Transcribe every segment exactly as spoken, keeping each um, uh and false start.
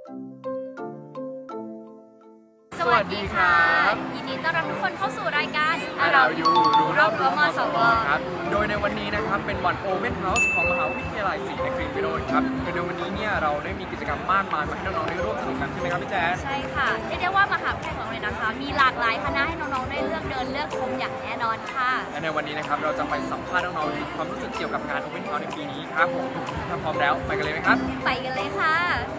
สวัสดีครับยินดีต้อนรับทุกคนเข้าสู่รายการเราอยู่รู้รอบรั้วมสวครับโดยในวันนี้นะครับเป็นวัน Open House ของมหาวิทยาลัยศรีนครินทร์วิโรจน์ครับโดยในวันนี้เนี่ยเราได้มีกิจกรรมมากมายมาให้น้องๆได้ร่วมสนุกกันใช่ไหมครับพี่แจ๊สใช่ค่ะเรียกได้ว่ามหาวิทยาลัยของเราเลยนะคะมีหลากหลายคณะให้น้องๆได้เลือกเดินเลือกชมอย่างแน่นอนค่ะและในวันนี้นะครับเราจะไปสัมภาษณ์น้องๆถึงความรู้สึกเกี่ยวกับงาน Open House ในปีนี้ครับผมถ้าพร้อมแล้วไปกันเลยไหมครับไปกันเลยค่ะ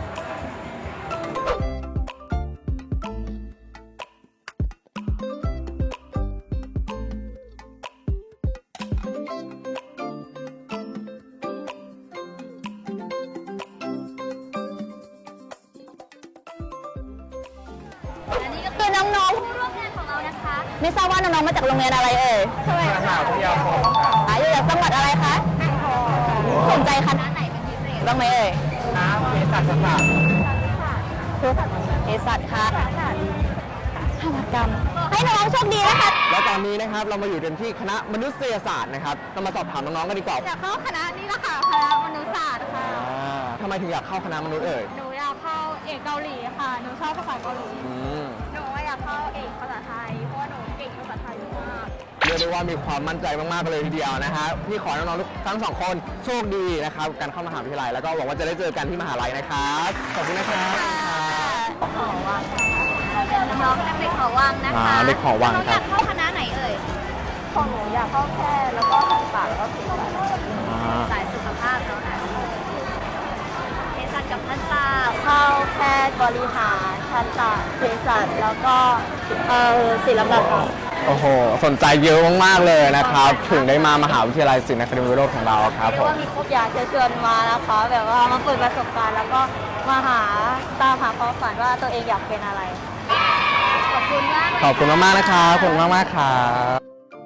คือน้องๆผู้ร่วมงานของเรานะคะไม่ทราบว่าน้องๆมาจากโรงเรียนอะไรเอ่ยมหาวิทยาลัยค่ะอยู่จากจังหวัดอะไรคะสนใจคณะไหนเป็นพิเศษบ้างไหมเอ่ยคณะเภสัชศาสตร์เภสัชค่ะภาพกรรมให้น้องๆโชคดีนะคะและตอนนี้นะครับเรามาอยู่กันที่คณะมนุษยศาสตร์นะครับเรามาสอบถามน้องๆกันดีกว่าอยากเข้าคณะนี้ละค่ะคณะมนุษยศาสตร์ค่ะทำไมถึงอยากเข้าคณะมนุษย์เอ่ยหนูอยากเข้าเอกเกาหลีค่ะหนูชอบภาษาเกาหลีหนูอยากเข้าเอกภาษาไทยเพราะว่าหนูเก่งภาษาไทยมากเรียกได้ว่ามีความมั่นใจมากๆเลยทีเดียวนะฮะพี่ขอน้องๆทุกทั้งสองคนโชคดีนะครับการเข้ามหาวิทยาลัยแล้วก็หวังว่าจะได้เจอกันที่มหาลัยนะครับขอบคุณนะครับขอวังเป็นน้องๆเด็กขอวังนะคะเด็กขอวังน้องอยากเข้าคณะไหนเอ่ยของหนูอยากเข้าแค่แล้วก็ทันตแล้วก็เภสัชสายสุขภาพแล้วนะเภสัชกับทันตเข้าแพทย์บริหารทันตเภสัชแล้วก็เอ่อศิลปะโอ้โหสนใจเยอะมากๆเลยนะครับถึงได้มามหาวิทยาลัยศรีนครินทร์วิโรจน์ของเราครับผมว่ามีครบอยากจะเชิญมานะคะแบบว่ามาเปิดประสบการณ์แล้วก็มาหาตามหาความฝันว่าตัวเองอยากเป็นอะไรขอบคุณมากขอบคุณมากๆนะครับขอบคุณมากๆครับ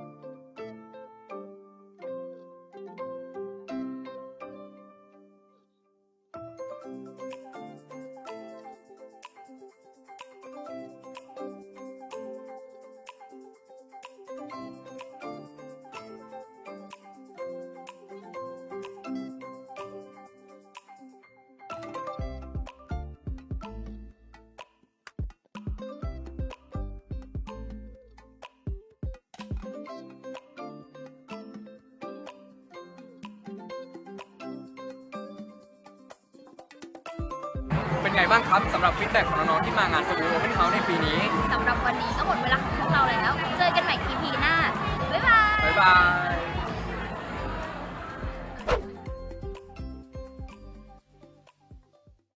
เป็นไงบ้างครับสำหรับฟีดแบ็กของน้องๆที่มางานสกู๊ปโอเพนเฮาส์ในปีนี้สำหรับวันนี้ก็หมดเวลาของพวกเราแล้วเจอกันใหม่ อี พี หน้าบ๊ายบายบ๊ายบาย